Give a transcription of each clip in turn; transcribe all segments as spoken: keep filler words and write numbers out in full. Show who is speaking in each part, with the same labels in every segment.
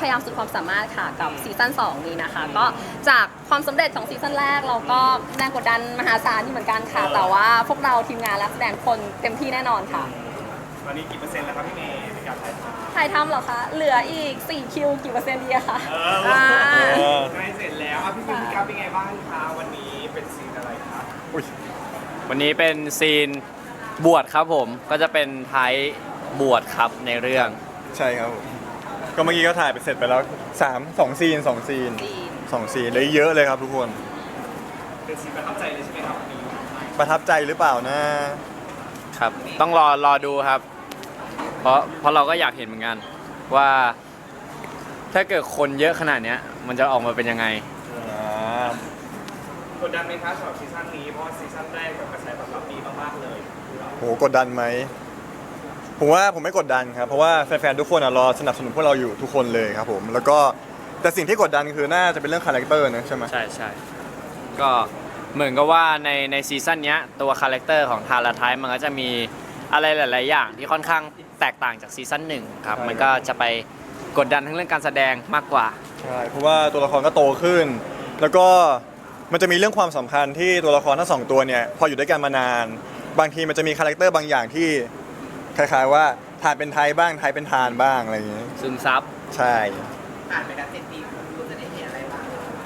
Speaker 1: พยายามสุดความสามารถค่ะกับซีซั่นสองนี้นะคะก็จากความสำเร็จของซีซั่นแรกเราก็แรงกดดันมหาศาลนี่เหมือนกันค่ะแต่ว่าพวกเราทีมงานและแสดงคนเต็มที่แน่นอนค่ะ
Speaker 2: ตอนนี้กี่เปอร์เซ็นต์แล้วครับพี่เมย์ในการถ่ายทำ
Speaker 1: ถ่ายทำเหรอคะเหลืออีกสี่คิวกี่เปอร์เซ็นต์ดีอะคะ
Speaker 2: เออใกล้เสร็จแล้วอ่ะพี่เมย์พี่กับเป็นไงบ้างคะวันนี้เป็นซีนอะไรครับ
Speaker 3: วันนี้เป็นซีนบวชครับผมก็จะเป็นท้ายบวชครับในเรื่อง
Speaker 4: ใช่ครับผมก็เมื่อกี้ก็ถ่ายไปเสร็จไปแล้วสามสองซีนสองซีนสองซีนเลยเยอะเลยครับทุกคน
Speaker 2: เป็นซีนประทับใจเลยใช่ไหมครับวันนี้
Speaker 4: ประทับใจหรือเปล่านะครับ
Speaker 3: ต้องรอรอดูครับเพราะเพราะเราก็อยากเห็นเหมือนกันว่าถ้าเกิดคนเยอะขนาดนี้มันจะออกมาเป็นยังไง
Speaker 2: กดดันไหมคะสำหรับซีซั่นนี้เพราะซีซั่นแรกกับกระแสตอบรับดีมากๆเลย
Speaker 4: โหกดดันไหมผมว่าผมไม่กดดันครับเพราะว่าแฟนๆทุกคนรอสนับสนุนพวกเราอยู่ทุกคนเลยครับผมแล้วก็แต่สิ่งที่กดดันคือน่าจะเป็นเรื่องคาแรคเตอร์นะใช่ไหม
Speaker 3: ใช่ใช่ก็เหมือนกับว่าในในซีซั่นนี้ตัวคาแรคเตอร์ของทาราไทมันก็จะมีอะไรหลายๆอย่างที่ค่อนข้างแตกต่างจากซีซั่นหนึ่งครับมันก็จะไปกดดันทั้งเรื่องการแสดงมากกว่า
Speaker 4: ใช่เพราะว่าตัวละครก็โตขึ้นแล้วก็มันจะมีเรื่องความสัมพันธ์ที่ตัวละครทั้งสองตัวเนี่ยพออยู่ด้วยกันมานานบางทีมันจะมีคาแรคเตอร์บางอย่างที่คล้ายๆว่าทานเป็นไทยบ้างไทยเป็นทานบ้างอะไรอย่างเงี้ย
Speaker 3: ซึมซับ
Speaker 4: ใช่
Speaker 5: ผ่านไปแล้วเจ็ดปีคุณจะได้เห็นอะไรบ้าง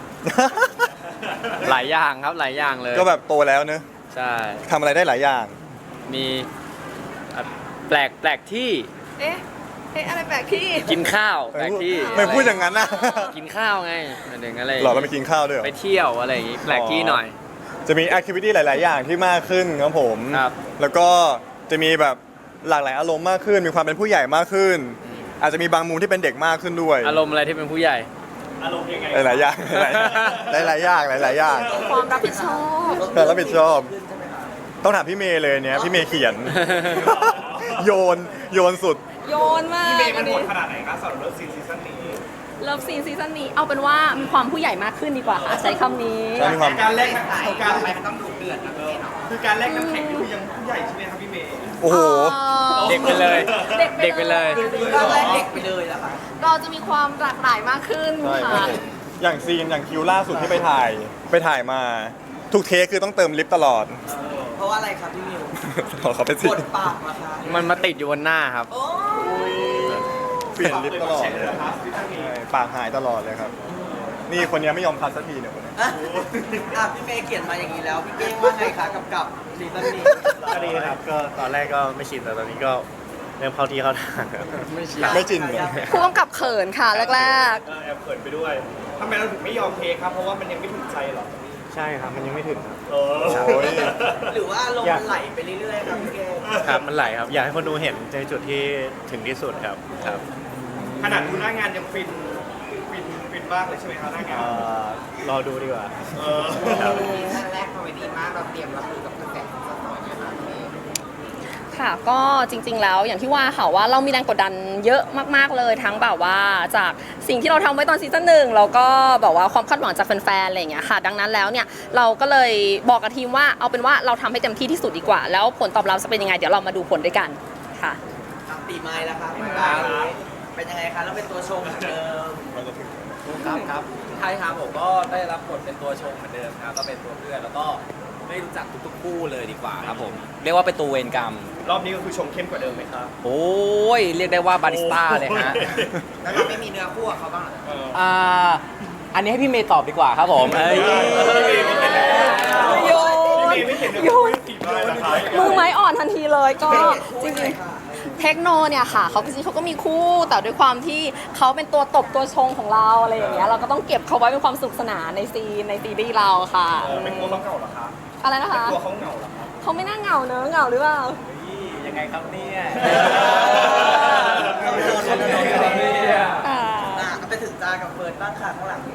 Speaker 3: หลายอย่างครับหลายอย่างเลย
Speaker 4: ก็แบบโตแล้วเนอะ
Speaker 3: ใช่
Speaker 4: ทำอะไรได้หลายอย่าง
Speaker 3: มีแปลกแปลกที่
Speaker 1: เอ๊ะเอ๊ะอะไรแปลกที่
Speaker 3: กินข้าวแปลกที่
Speaker 4: ไม่พูดอย่างนั้นนะ
Speaker 3: กินข้าวไงหนึ่งอะไร
Speaker 4: หรอเราไปกินข้าวด้วย
Speaker 3: ไปเที่ยวอะไรอย่างงี้แปลกที่หน่อย
Speaker 4: จะมีแอคทิวิตี้หลายๆอย่างที่มากขึ้นครับผมแล้วก็จะมีแบบหลากหลายอารมณ์มากขึ้นมีความเป็นผู้ใหญ่มากขึ้นอาจจะมีบางมุมที่เป็นเด็กมากขึ้นด้วย
Speaker 3: อารมณ์อะไรที่เป็นผู้ใหญ่
Speaker 2: อารมณ์ยังไง
Speaker 4: หลายๆอย่างหลายๆอย่างหลายๆอย่าง
Speaker 1: ความรับผิดชอบ
Speaker 4: ความรับผิดชอบต้องถามพี่เมย์เลยเนี้ยพี่เมย์เขียนโยนโยนสุด
Speaker 1: โยนมาก
Speaker 2: พี่เมย์มันโหดขนาดไหนคะสำหรับเลิฟซีนซีซั่นนี้
Speaker 1: เลิฟซีนซีซั่นนี้เอาเป็นว่ามีความผู้ใหญ่มากขึ้นดีกว่าค่ะใช้คำนี้
Speaker 2: การแลกนักการไปมันต้องดุเดือดนะพี่เมย์เนาะคือการแลกน้ำแข็งนี่คือยังผู้ใหญ่ใช่ไหมครับพี่เมย์
Speaker 4: โอ้โห
Speaker 3: เด็กไปเลยเด็กไปเลย
Speaker 5: ก็แลกเด็กไปเลยแหละค่ะ
Speaker 1: เราจะมีความหลากหลายมากขึ้นค่ะ
Speaker 4: อย่างซีนอย่างคิวล่าสุดที่ไปถ่ายไปถ่ายมาทุกเทคคือต้องเติมลิฟต์ตลอด
Speaker 5: เพราะว่าอะไรครับพี่มิว
Speaker 4: เขาเป็นสิ
Speaker 5: ปวดปากมาค่ะ
Speaker 3: มันมาติดอยู่บนหน้าครับ
Speaker 4: เปลี่ยนลิฟต์ตลอดปากหายตลอดเลยครับนี่คนนี้ไม่ยอมคัดสักทีเนี่ยคนนี้
Speaker 5: อ่ะพี่เมย์เขียนมาอย่างนี้แล้วพี่เก้งว่าไงคะกับกับซีซั่นนี้
Speaker 6: ก็ดีครับก็ตอนแรกก็ไม่ชินแต่ตอนนี้ก็เริ่มเข้าที่เข้าทาง
Speaker 4: ไม่ชินไม่ชินเลย
Speaker 1: ผู้กำกับเขินค่ะแรก
Speaker 2: ๆแอบเขินไปด้วยทำไมเราถึงไม่ยอมเทครับเพราะว่ามันยังไม่ถึงใจหรอ
Speaker 6: ใช่ครับมันยังไม่ถึงครับ
Speaker 5: หรือว่าลมมันไหลไปเรื่อยๆครับพี่เก้
Speaker 6: ครับมันไหลครับอยากให้คนดูเห็นในจุดที่ถึงที่สุดครับครับ
Speaker 2: ขนาดดูหน้างานยังฟินฟินฟินบ้างเลยใช่ไหมครับหน้างาน
Speaker 6: รอดูดีกว่า
Speaker 5: ท่านแรกคอมเมดี้มากเราเตรียมรับมือกับกระแสของสตอรี่นะคะ
Speaker 1: ค่ะก็จริงๆแล้วอย่างที่ว่าค่ะว่าเรามีแรงกดดันเยอะมากๆเลยทั้งแบบว่าจากสิ่งที่เราทำไว้ตอนซีซั่นหนึ่งแล้วก็แบบว่าความคาดหวังจากแฟนๆอะไรอย่างเงี้ยค่ะดังนั้นแล้วเนี่ยเราก็เลยบอกกับทีมว่าเอาเป็นว่าเราทำให้เต็มที่ที่สุดดีกว่าแล้วผลตอบรับจะเป็นยังไงเดี๋ยวเรามาดูผลด้วยกันค่ะ
Speaker 5: ตีไม้แล้วครับเป็นยังไงคะแล้วเป็นตัวชงเหมือนเดิม
Speaker 7: ครับครับใช่ครับผมก็ได้รับบทเป็นตัวชงเหมือนเดิมครับก็เป็นตัวเพื่อนแล้วก็ไม่รู้จักทุกๆคู่เลยดีกว่าครับผมเรียกว่าเป็นตัวเวรกรรม
Speaker 2: รอบนี้ก็คือชงเข้มกว่าเดิมไหมครับ
Speaker 7: โอ้ยเรียกได้ว่าบาริสต้าเลยฮะ
Speaker 5: แล้วเราไม่มีเนื้อคู่กับเขาบ้าง
Speaker 7: เหรออ่าอันนี้ให้พี่เมย์ตอบดีกว่าครับผม
Speaker 1: โยนโยนมือไม้อ่อนทันทีเลยก็จริงๆเทคโนเนี่ยค่ะเขาจริงๆเขาก็มีคู่แต่ด้วยความที่เขาเป็นตัวตบตัวชงของเราอะไรอย่างเงี้ยเราก็ต้องเก็บเขาไว้เป็นความสุขสนานในซีนในซีรีส์เราค่ะ
Speaker 2: เป็นกลัวเขาเหงาเหรอคะ
Speaker 1: อะไรนะคะ
Speaker 2: กลัวเขาเหงาเหรอครับ
Speaker 1: เขาไม่น่าเหงาเนอะเหงาหรือเปล่า
Speaker 7: ยังไงครับเนี่ย
Speaker 5: อ่าไปถึงจากับเฟิร์นบ้างค่ะข้างหลัง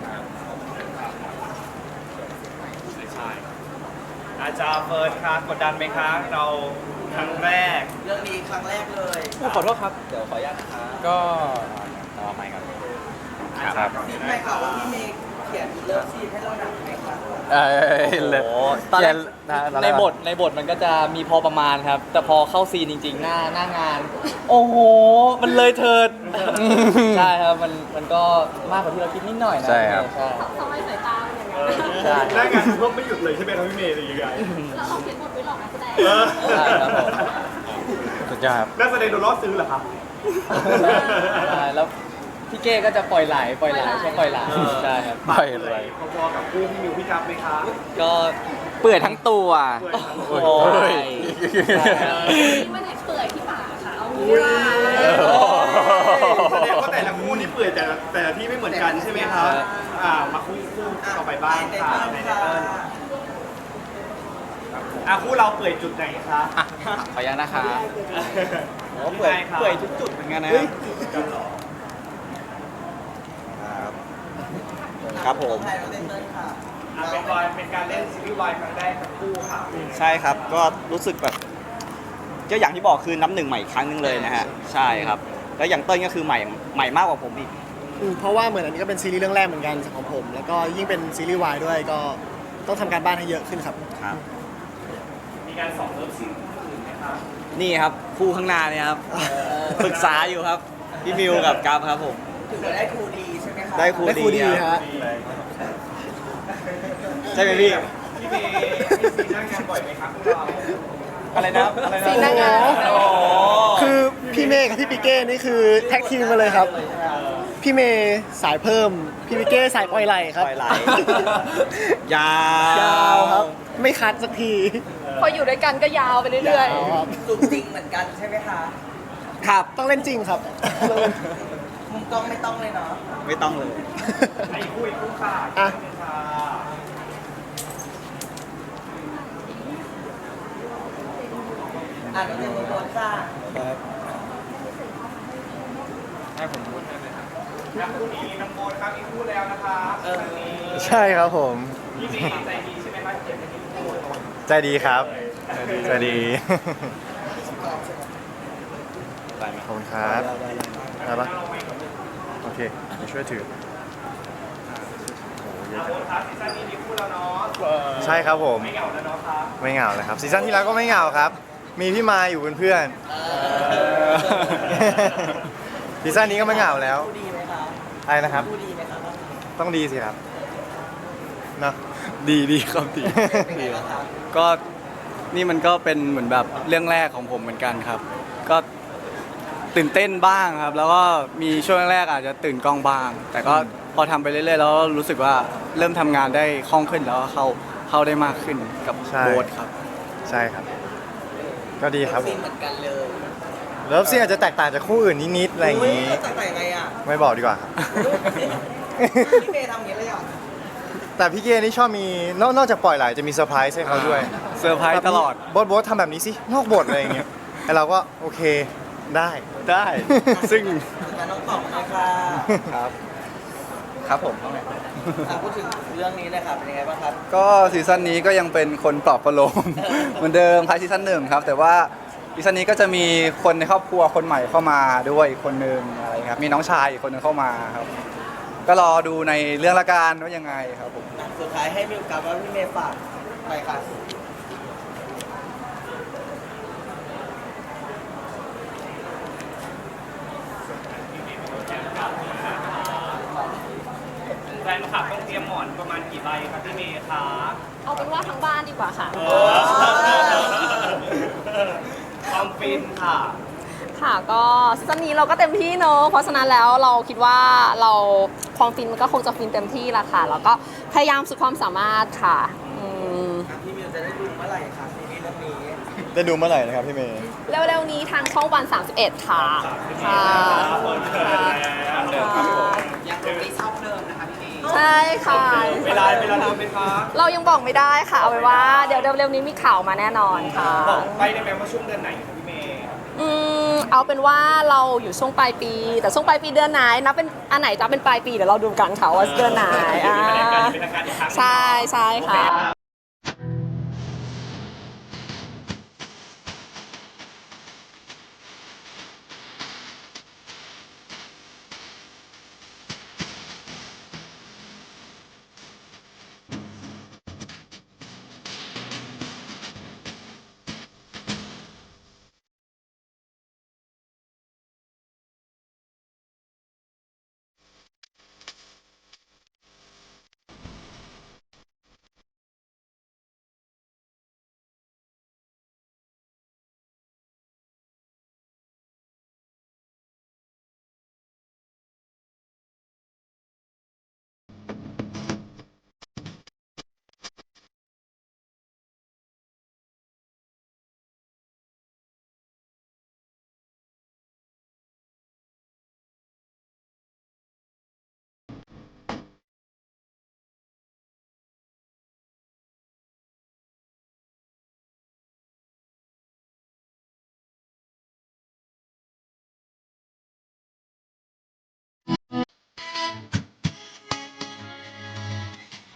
Speaker 2: ใช่อาจารย์เฟิร์นคะกดดันไหมคะเราครั้งแรก
Speaker 5: เรื่องนี้ครั้งแรกเลย
Speaker 7: ขอโทษครับเดี๋ยวขออนุญาตนะคะก็ต่อไปครับ
Speaker 5: ครับพี่เมย์ค่ะว่าพี่เมย์เขียนเลิฟซีนให้เราหนักไหมคะ
Speaker 3: เออเลย
Speaker 7: โอ้โหตอนแรก
Speaker 3: เขียน
Speaker 7: ในบทในบทมันก็จะมีพอประมาณครับ แต่พอเข้าซีนจริง ๆ หน้าหน้างาน โอ้โห มันเลยเถิด ใช่ครับ มันมันก็มากกว่าที่เราคิดนิดหน่อยนะ
Speaker 3: ใช่ครับ
Speaker 7: ใช่
Speaker 1: ทำไมสายตาเป็นอย่างนั้น
Speaker 7: ใช่
Speaker 2: หน้างานก็ไม่หยุดเลยใช่ไหมครับพี่เมย์หรือยังไง
Speaker 1: แล้วเราเขียนบทไว้หลอกนักแสดง
Speaker 7: ใช่ครับผม
Speaker 3: สุดยอดครับ
Speaker 2: นักแสดงโดนล่อซื้อเหรอครับ
Speaker 7: ใช่แล้วพี่เก้ก็จะปล่อยไหลปล่อยไหลชอบปล่อยไหลใช่ครับ
Speaker 3: ปล่อยไหล
Speaker 2: พอๆกับคู่พี่มิวพี่กัฟไหมคะ
Speaker 7: ก็
Speaker 3: เปื่อยทั้งตัว
Speaker 2: เปื่อยทั้งตัว
Speaker 7: โอ้
Speaker 3: โอ้ย
Speaker 7: ยใช่ครับ
Speaker 1: นี่มันไหนเปื่อยที่ปากค่ะเอางี้ดีกว่า
Speaker 2: แสดงว่าแต่ละคู่นี่เปื่อยแต่ละแต่ละที่ไม่เหมือนกันใช่ไหมครับ อ่ามาคู่คู่ต่อไปบ้างค่ะในเติ้ลอ่ะคู่เราเปื่อยจุดไหนคะ
Speaker 7: อ่ะขออนุญาตนะคะ
Speaker 2: โอ้เปื่อย
Speaker 7: เปื่อยทุกจุดเหมือนกันนะ
Speaker 2: กันเหรอ
Speaker 6: ครับผม
Speaker 2: อ่ะเป็นวายเป็นการเล่นซีรีส์วายครั้งแรกทั้งคู่ค่ะ
Speaker 6: ใช่ครับ ก็รู้สึกแบบก็อย่างที่บอกคือน้ำหนึ่งใหม่อีกครั้งหนึงเลยนะฮะ ใช่ครับ แล้วอย่างเต้ยก็คือใหม่ใหม่มากกว่าผมอีก
Speaker 8: อืมเพราะว่าเหมือนอันนี้ก็เป็นซีรีส์เรื่องแรกเหมือนกันของผม แล้วก็ยิ่งเป็นซีรีส์วายด้วยก็ต้องทำการบ้านให้เยอะขึ้นครับ
Speaker 6: ครับ
Speaker 2: มีการสอบเลิฟซีนคู่อื่นไหมคะ
Speaker 6: นี่ครับคู่ข้างหน้าเนี่ยครับ ปรึกษาอยู่ครับ พี่มิวกับกัฟครับผม
Speaker 5: ถือว่าได้ครูดีใช่ไหมคะ
Speaker 6: ได้ครู
Speaker 8: ได้ครูดี
Speaker 6: ค
Speaker 8: ฮะ
Speaker 6: รับใช่ไหมพี่
Speaker 2: พี่เมย์มีซีนหน้างานบ่อยไหมครับพวกเรา
Speaker 6: อะไรนะครับอะไรนะ
Speaker 1: ซีนหน้างาน
Speaker 6: โอ้โห
Speaker 8: คือพี่เมย์กับพี่ปิเก้นี่คือแท็กทีมมาเลยครับ พี่เมย์สายเพิ่ม พี่ปิเก้สายปล่อยไหลครับ
Speaker 6: ปล่อยไหล ยาวย
Speaker 8: าวครับ ไม่คัดสักที
Speaker 1: พออยู่ด้วยกันก็ยาวไปเรื่อย
Speaker 8: ยาวครับ
Speaker 5: สูงจริงเหมือนกันใช่ไหมคะ
Speaker 6: ครับ
Speaker 8: ต้องเล่นจริงครับ
Speaker 5: มุมกล้องไม่ต้องเลยเนาะ
Speaker 6: ไม่ต้องเลย
Speaker 2: ไอ้คู่อีกคู่ค่ะ
Speaker 8: อ่ะ
Speaker 2: ค่ะ
Speaker 5: อ่านเป็นมุมบนค่ะ
Speaker 2: แล้วคู่นี้น้องโบนครับอีกคู่แล้วนะคะเออนี้
Speaker 4: ใช่ครับผม
Speaker 2: พี่เมย์ใจดีใช่ไหมคะเขียนเป็นคู่โบน
Speaker 4: ใจดีครับใจดีขอบคุณครับได้ปะโอเคเดี๋ยวช่วยถือ
Speaker 2: โบนครับซีซั่นนี้มีคู่แล้วเนาะ
Speaker 4: ใช่ครับผม
Speaker 2: ไม่เหงาแล้วเนาะครับ
Speaker 4: ไม่เหงาเลยครับซีซั่นที่แล้วก็ไม่เหงาครับ มีพี่มายอยู่เป็นเพื่อนซีซั่นนี้ก็ไม่เหงาแล้ว
Speaker 5: ครูดีไหมคะ
Speaker 4: อะไรนะครับ
Speaker 5: ครูดีไหมคะ
Speaker 4: ต้องดีสิครับเนอะ
Speaker 6: ดีดีครับดี
Speaker 5: เป็นไงบ้างคะ
Speaker 6: ก็นี่มันก็เป็นเหมือนแบบเรื่องแรกของผมเหมือนกันครับ ก็ตื่นเต้นบ้างครับ แล้วก็มีช่วงแรกอาจจะตื่นกล้องบ้าง แต่ก็พอทำไปเรื่อยๆแล้วรู้สึกว่าเริ่มทำงานได้คล่องขึ้นแล้วก็เข้าเข้าได้มากขึ้นกับ
Speaker 4: ใช่
Speaker 6: โบ๊ทครับ
Speaker 4: ใช่ครับ ก็ดีครับผ
Speaker 5: ซีน
Speaker 4: ม
Speaker 5: เหมือนกันเลย
Speaker 4: เลิฟซีนอาจจะแตกต่างจากคู่อื่นนิดๆอะไรอย่างนี้
Speaker 5: อุ๊ยจะใส่ไงอ่ะ
Speaker 4: ไม่บอกดีกว่าครับ
Speaker 5: พี่เมย์ทำอย่างนี้เลยเหรอ
Speaker 4: แต่พี่เกนี่ชอบมีนอกนอกจากปล่อยไหลจะมีเซอร์ไพรส์ให้เขาด้วย
Speaker 6: เซอร์ไพรส์ตลอด
Speaker 4: โบทโบททำแบบนี้สินอกบทอะไรอย่างเงี้ยแล้วเราก็โอเคได้
Speaker 6: ได้ ซึ่ง
Speaker 5: งั้นน้องตอบเลยค่ะ
Speaker 6: ครับ ครับผม
Speaker 5: อ่ะพูดถึงเรื่องนี้เลยค่ะเป็นยังไงบ้างครับ
Speaker 6: ก็ซีซั่นนี้ก็ยังเป็นคนปลอบประโลม เหมือนเดิมคล้ายซีซั่นหนึ่งครับ แต่ว่าซีซั่นนี้ก็จะมีคนในครอบครัวคนใหม่เข้ามาด้วยอีกคนนึงอะไรครับมีน้องชายอีกคนนึงเข้ามาครับ ก็รอดูในเรื่องละกันว่ายังไงครับผม
Speaker 5: สุดท้ายให้มิวกับว่าพี่เมย์ฝากไปค่ะ
Speaker 2: แฟนคลับต้องเตรียมหมอนประมาณกี่ใบครับพี่เมย์คะ
Speaker 1: ๆ เอาเป็นว่าทั้งบ้านดีกว่าค่ะ
Speaker 2: ความฟินค่ะ
Speaker 1: ค่ะก็ซีซั่นนี้เราก็เต็มที่เนอะเพราะฉะนั้นแล้วเราคิดว่าเราความฟินมันก็คงจะฟินเต็มที่ละค่ะแล้วก็พยายามสุดความสามารถค่ะอืม
Speaker 5: พี่มิวจะได้ดูเมื่อไหร่คะซีรีส์เรื่องนี้
Speaker 4: ได้ดูเมื่อไหร่นะครับพี่เมย์
Speaker 1: เร็วๆนี้ทางช่องวัน สามสิบเอ็ด ค่ะค่ะ
Speaker 2: เปิดเผยแล้วเดิมครับผม
Speaker 5: ยังคงมีชอบเดิมนะคะพี่เมย์
Speaker 1: ใช่ค่ะ
Speaker 2: เวลาเวลาเดิมไหมคะ
Speaker 1: เรายังบอกไม่ได้ค่ะ เอาไว้ว่าเดี๋ยวเร็วๆนี้มีข่าวมาแน่นอนค่ะ
Speaker 2: บอกไปได้ไหมว่าช่วงเดือนไหนครับพี่เมย์
Speaker 1: อืมเอาเป็นว่าเราอยู่ช่วงปลายปี แต่ช่วงปลายปีเดือนไหนนับเป็นอันไหนจะเป็นปลายปีเดี๋ยวเราดูกันค่ะว่าเดือนไหนอ่า
Speaker 2: เป็นทางการอีกครั้ง
Speaker 1: ใช่ใช่ค่ะ